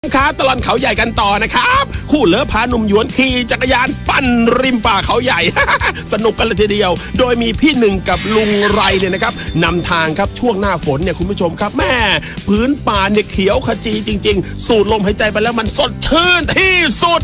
ค้าตลอดเขาใหญ่กันต่อนะครับคู่เลิฟพาหนุ่มหยวนขี่จักรยานปั่นริมป่าเขาใหญ่ สนุกกันเลยทีเดียวโดยมีพี่หนึ่งกับลุงไรเนี่ยนะครับนำทางครับช่วงหน้าฝนเนี่ยคุณผู้ชมครับแม่พื้นป่าเนี่ยเขียวขจีจริงๆสูดลมหายใจไปแล้วมันสดชื่นที่สุด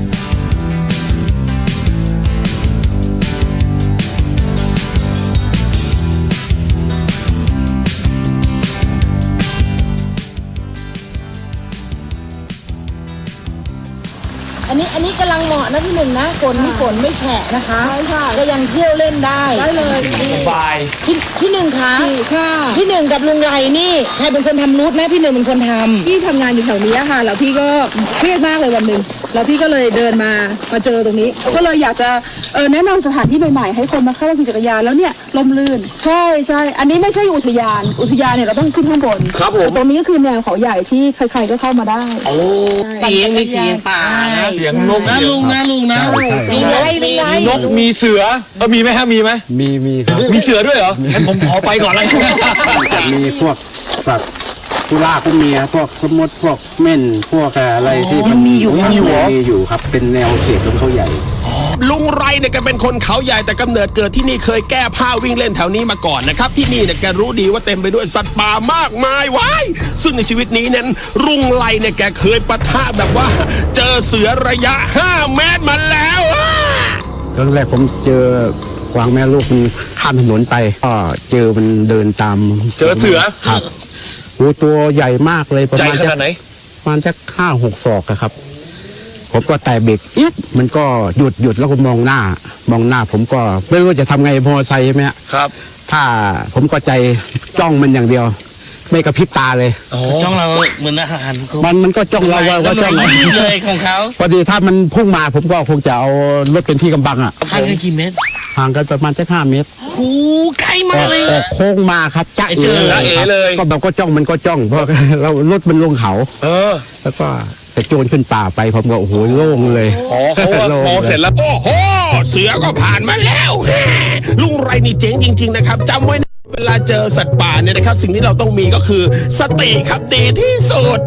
อันนี้กำลังเหมาะนะพี่หนึ่งนะฝนไม่แฉะนะคะใช่ค่ะก็ยังเที่ยวเล่นได้เลยสบายพี่หนึ่งคะพี่หนึ่งกับลุงไรนี่ใครเป็นคนทำรูทนะพี่หนึ่งเป็นคนทำพี่ทำงานอยู่แถวนี้ค่ะแล้วพี่ก็เครียดมากเลยวันหนึ่งแล้วพี่ก็เลยเดินมาเจอตรงนี้ก็เลยอยากจะแนะนำสถานที่ใหม่ๆให้คนมาเข้าขี่จักรยานแล้วเนี่ยลมลื่นใช่อันนี้ไม่ใช่อุทยานเนี่ยเราต้องขึ้นข้างบนครับผมตรงนี้ก็คือแนวเขาใหญ่ที่ใครๆก็เข้ามาได้เสียงมีเสียงป่าเสียงนกนะลุงนะมีไรนกมีเสือมีไหมฮะมีไหมมีครับมีเสือด้วยเหรองั้นผมขอไปก่อนเลยมีพวกสัตว์กุล่ากุเมียพวกสมดพวกเม่นพวกอะไรที่มันมีอยู่ครับเป็นแนวเขตของเขาใหญ่ลุงไรเนี่ยแกเป็นคนเขาใหญ่แต่กำเนิดเกิดที่นี่เคยแก้ผ้าวิ่งเล่นแถวนี้มาก่อนนะครับที่นี่เนี่ยแกรู้ดีว่าเต็มไปด้วยสัตว์ป่ามากมายว้ายซึ่งในชีวิตนี้นั้นลุงไรเนี่ยแกเคยปะทะแบบว่าเจอเสือระยะ5 เมตรมาแล้วครั้งแรกผมเจอกวางแม่ลูกมันข้ามถนนไปก็เจอมันเดินตามเจอเสือครับตัวใหญ่มากเลยประมาณขนาดไหนประมาณจะ5-6 ศอกครับผมก็แตะเบรกมันก็หยุดแล้วก็มองหน้าผมก็ไม่รู้จะทำไงมอเตอร์ไซค์ใช่ไหมครับถ้าผมก็ใจจ้องมันอย่างเดียวไม่กระพริบตาเลยจ้องเราเหมือนอาหารมันก็จ้องเราว่าจ้องเลยของเขาพอดีถ้ามันพุ่งมาผมก็คงจะเอารถเป็นที่กำบังห่างกันกี่เมตรห่างกันประมาณ5 เมตรโอ้ใกล้มากเลยโค้งมาครับจ้าเอ๋เลยก็แบบก็จ้องมันก็จ้องเพราะเรารถมันลงเขาแล้วก็จะโจรขึ้นป่าไปผมก็โอ้โหโล่งเลยเขามองเสร็จแล้วโอ้โหเสือก็ผ่านมาแล้วลุงไรนี่เจ๋งจริงๆนะครับจำไว้นะเวลาเจอสัตว์ป่าเนี่ยนะครับสิ่งที่เราต้องมีก็คือสติครับดีที่สุด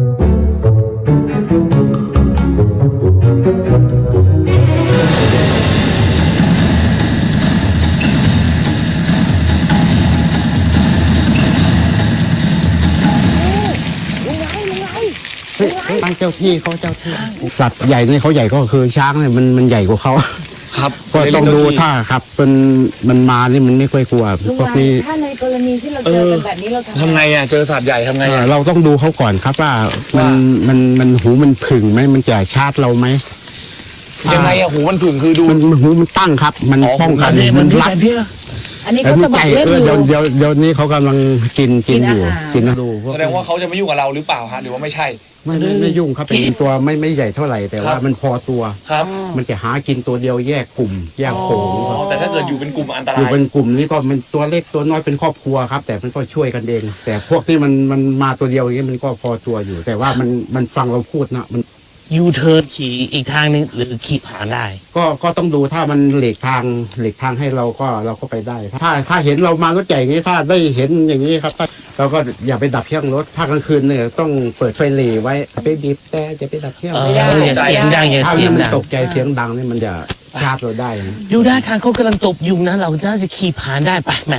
ตั้งเจ้าที่สัตว์ใหญ่เนี่ยเขาใหญ่ก็คือช้างเนี่ยมันใหญ่กว่าเขาครับก็ต้องดูถ้าครับมันมานี่มันไม่ค่อยกลัวพวกนี้ถ้าในกรณีที่เราเจอแบบนี้เราทำไงเจอสัตว์ใหญ่ทำไงเราต้องดูเขาก่อนครับว่ามันหูมันผึ่งไหมมันจะชาร์จเราไหมยังไงหูมันผึ่งคือดูมันหูมันตั้งครับมันป้องกันมันรับอันนี้เขาสมัครเล่นอยู่เดี๋ยวนี้เขากำลังกินอยู่กินดูแสดงว่าเขาจะไม่ยุ่งกับเราหรือเปล่าฮะหรือว่าไม่ใช่ไม่ยุ่งครับเป็นตัวไม่ใหญ่เท่าไหร่แต่ว่ามันพอตัวครับมันจะหากินตัวเดียวแยกกลุ่มแยกโขงแต่ถ้าเกิดอยู่เป็นกลุ่มอันตรายอยู่เป็นกลุ่มนี่ก็มันตัวเล็กตัวน้อยเป็นครอบครัวครับแต่มันก็ช่วยกันเองแต่พวกที่มันมาตัวเดียวอย่างนี้มันก็พอตัวอยู่แต่ว่ามันฟังเราพูดนะมันยูเทิร์นขี่อีกทางนึงหรือขี่ผ่านได้ก็ต้องดูถ้ามันหลีกทางให้เราก็ไปได้ถ้าเห็นเรามารถใหญ่อย่างนี้ถ้าได้เห็นอย่างนี้ครับเราก็อย่าไปดับเครื่องรถถ้ากลางคืนเนี่ยต้องเปิดไฟหลีไว้ไปบีบแต่จะไปดับเครื่องอย่าเสียงดังอย่าเสียงดังตกใจเสียงดังนี่มันจะชาร์จเราได้ดูได้ทางเขากำลังตบยุงนะเราน่าจะขี่ผ่านได้ไปแม่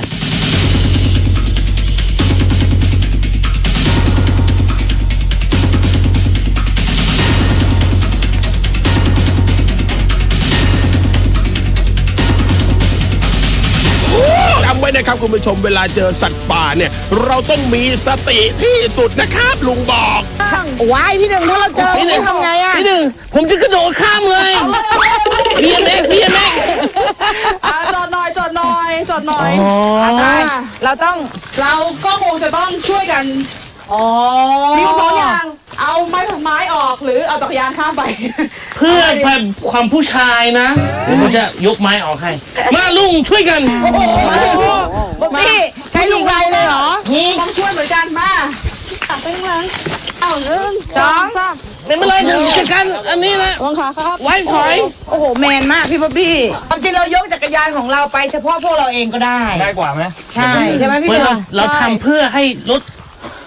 ไว้นะครับคุณผู้ชมเวลาเจอสัตว์ป่าเนี่ยเราต้องมีสติที่สุดนะครับลุงบอกว้ายพี่หนึ่งถ้าเราเจอพี่ทำไงพี่หนึ่งผมจะกระโดดข้ามเลยพี่ยังเล็กจอดหน่อยเราก็คงจะต้องช่วยกันมีสองอย่างเอาไม้ออกหรือเอาจักรยานข้ามไปเพื่อความผู้ชายนะผมจะยกไม้ออกให้มาลุงช่วยกันพี่ใช้ลุงไรเลยเหรอต้องช่วยเหมือนกันมาไปข้างหลังเอา1 2 3 ไม่เป็นไรผมจัดการอันนี้นะวางขาครับไว้ถอยโอ้โหแมนมากพี่ป๊อบบี้ความจริงเรายกจักรยานของเราไปเฉพาะพวกเราเองก็ได้กว่าไหมใช่ไหมพี่เราทำเพื่อให้รถ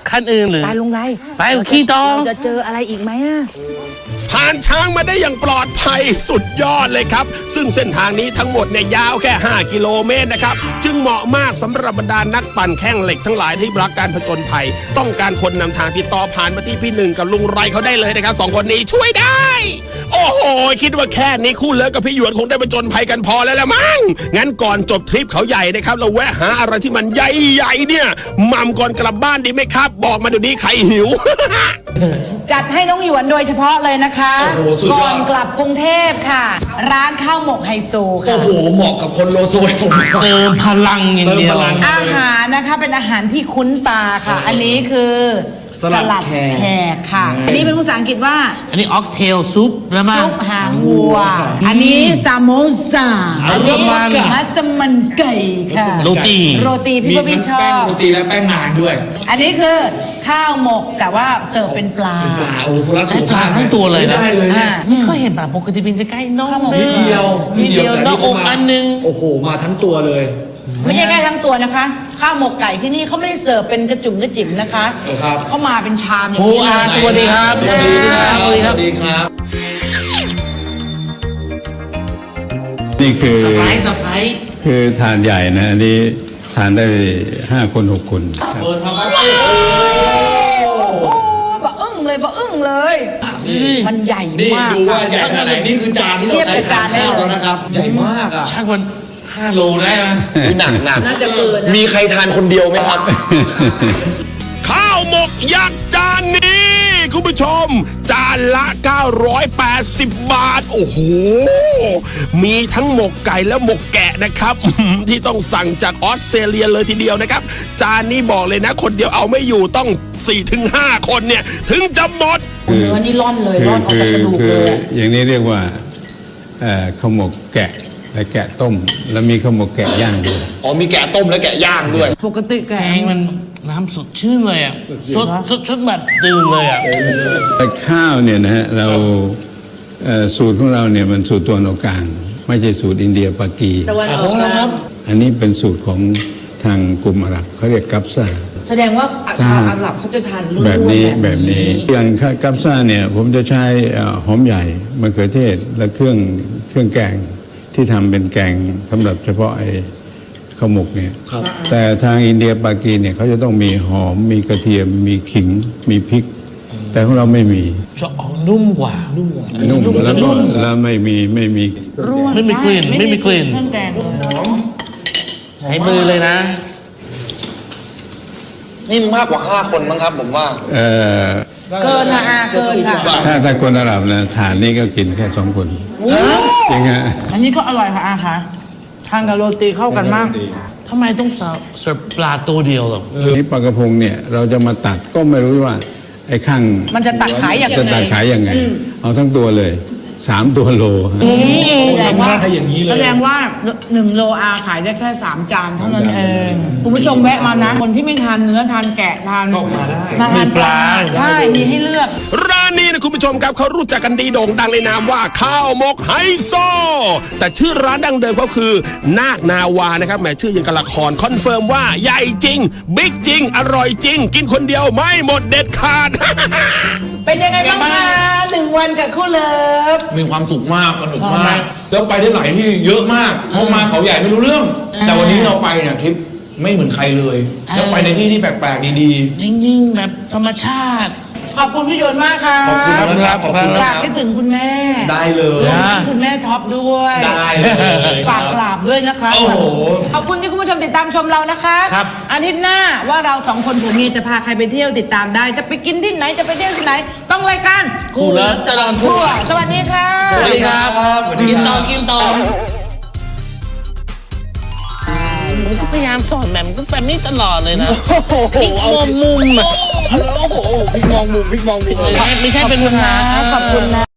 คันอื่นหรือไปลุงไรไปขี่ต่อเราจะเจออะไรอีกไหมอะผ่านช้างมาได้อย่างปลอดภัยสุดยอดเลยครับ ซึ่งเส้นทางนี้ทั้งหมดเนี่ยยาวแค่ 5 กิโลเมตรนะครับ จึงเหมาะมากสำหรับบรรดานักปั่นแข้งเหล็กทั้งหลายที่รักการผจญภัย ต้องการคนนำทางติดต่อผ่านมาที่พี่หนึ่งกับลุงไรเขาได้เลยนะครับ2 คนนี้ช่วยได้ โอ้โห คิดว่าแค่นี้คู่เลิฟกับพี่หยวนคงได้ผจญภัยกันพอแล้วละมั้งงั้นก่อนจบทริปเขาใหญ่นะครับเราแวะหาอะไรที่มันใหญ่ๆเนี่ยหม่ำก่อนกลับบ้านดีไหมครับ บอกมาเดี๋ยวนี้ใครหิวจัดให้น้องหยวนโดยเฉพาะเลยนะคะโอ้โหสุดยอดก่อนกลับกรุงเทพค่ะ ร้านข้าวหมกไฮโซโอ้ค่ะโหเหมาะกับคนโลโซยผมเติมพลังอย่างเดียวเติมพลังอาหารนะคะเป็นอาหารที่คุ้นตาค่ะ อันนี้คือสลัดแขกแขกค่ะ อันนี้เป็นภาษาอังกฤษว่าอันนี้ออกเทลซุปแล้วมาซุปหางวัว อันนี้ซามโมซาอันนี้มัสมั่นมัสมันไก่ค่ะโรตีโรตีพี่พี่ชอแป้งบโรตีและแป้งนานด้วยอันนี้คือข้าวหมกแต่ว่าเสิร์ฟเป็นปลาปลาโอ้โหคนละสูตรปลาทั้งตัวเลยนะได้เลยเนี่ยไม่เคยเห็นปลาปกติเป็นจะใกล้น้องนิดเดียวนิดเดียวแต่น้องอกอันนึงโอ้โหมาทั้งตัวเลยไม่ใช่แค่ทั้งตัวนะคะ ข้าวหมกไก่ที่นี่เขาไม่ได้เสิร์ฟเป็นกระจุ่มกระจิ๋มนะคะครับเขามาเป็นชามอย่างโอ้นี้อาสวัสดีครับสวัสดีครับสวัสดีครับสวัสดีครับนี่คือสไปซ์สไปซ์คือทานใหญ่นะอันนี้ทานได้5 คน 6 คนครับเปิดทำไมบะอึ้งเลยบะอึ้งเลย มันใหญ่นี่มากดูว่าใหญ่ขนาดไหนนี่คือจานที่เทีเรายบใช้กับจานได้ข้าวเลยแล้วนะครับ ใหญ่มากอ่ะช่างมัน 5 โลได้ไหมหนักหนักน่าจะเกินนะมีใครทานคนเดียวไหมครับข้าวหมกยักษ์จานนี้ คุณผู้ชม จานละ 980 บาท โอ้โห มีทั้งหมกไก่และหมกแกะนะครับ ที่ต้องสั่งจากออสเตรเลียเลยทีเดียวนะครับ จานนี้บอกเลยนะ คนเดียวเอาไม่อยู่ต้อง 4-5 คนเนี่ย ถึงจะหมดเนื้อนี่ร่อนเลยร่อนออกจากกระดูกคืเลอย อย่างนี้เรียกว่าข้าวหมกแกะและแกะต้ม แล้วมีข้าวหมกแกะย่างด้วยอ๋อมีแกะต้มและแกะย่างด้วยปกติแกแกงมันน้ำสดชื่นเลยอ่ะสดแบบตื่นเลยอ่ะแต่ข้าวเนี่ยนะฮะเราสูตรของเราเนี่ยมันสูตรตัวนออกกลางไม่ใช่สูตรอินเดียปากีตะวันออกกลางอันนี้เป็นสูตรของทางกลุ่มอาหรับเขาเรียกกัปซ่าแสดงว่าชาวอาหรับเขาจะทานรุ่นแบบนี้อย่างกัปซ่าเนี่ยผมจะใช้หอมใหญ่มะเขือเทศและเครื่องแกงที่ทำเป็นแกงสำหรับเฉพาะไอ้ข้าวหมกเนี่ยแต่ทางอินเดียปากีเนี่ยเขาจะต้องมีหอมมีกระเทียมมีขิงมีพริก แต่ของเราไม่มีจะออกนุ่มกว่านุ่มแล้วไม่มีไม่มีกลิ่นไม่มีกลิ่นเครื่องแกงเลยใช้มือเลยนะนี่มากกว่า 5 คนมั้งครับผมว่าเกินนะอาเกินค่ะถ้าคนอาหรับนะฐานนี้ก็กินแค่2 คนจริงฮะอันนี้ก็อร่อยค่ะอาค่ะทานกับโรตีเข้ากันมากทำไมต้องเสิร์ฟปลาตัวเดียวหรอนี่ปลากระพงเนี่ยเราจะมาตัดก็ไม่รู้ว่าไอ้ข้างมันจะตัดขายอย่างจะตัดขายยังไง เอาทั้งตัวเลย 3 ตัวโลฮะแสดงว่าอย่างนี้เลยแสดงว่า1 โลอาขายได้แค่3 จานเท่านั้นเองคุณผู้ชมแวะมานะ คนที่ไม่ทานเนื้อทานแกะทานมาทานปลาใช่มีให้เลือกร้านนี้นะคุณผู้ชมครับเขารู้จักกันดีโด่งดังในนามว่าข้าวหมกไฮโซ แต่ชื่อร้านดังเดิมเขาคือ นาคนาวานะครับแหมชื่อยังกับละครคอนเฟิร์มว่าใหญ่จริง บิ๊กจริง อร่อยจริง กินคนเดียวไม่หมดเด็ดขาดเป็นยังไงบ้างคะ1 วันกับคู่เลิฟมีความสุขมากสนุกมาก แล้วไปได้หลายที่เยอะมากเพราะมาเขาใหญ่ไม่รู้เรื่อง แต่วันนี้เราไปเนี่ยทริปไม่เหมือนใครเลย แล้วไปในที่ที่แปลกๆดีนิ่งๆแบบธรรมชาติขอบคุณพี่โยนมากค่ะๆ ขอบคุณนะครับ ขอบคุณนะฝากครับให้ถึงคุณแม่ได้เลยรวมทั้งคุณแม่ท็อปด้วยได้เลยฝากกราบด้วยนะคะโอ้โหขอบคุณที่คุณผู้ชมติดตามชมเรานะคะครับอาทิตย์หน้าว่าเรา2 คนผัวเมียจะพาใครไปเที่ยวติดตามได้ จะไปกินที่ไหนจะไปเที่ยวที่ไหน ต้องรายการคู่เลิฟตลอดทั่วสวัสดีค่ะสวัสดีครับ กินต่อกินต่อผมก็พยายามสอนแบบนี้ตลอดเลยนะพลิกมองมุมอ่ะพลิกมองมุมไม่ใช่เป็นปัญหาขอบคุณนะ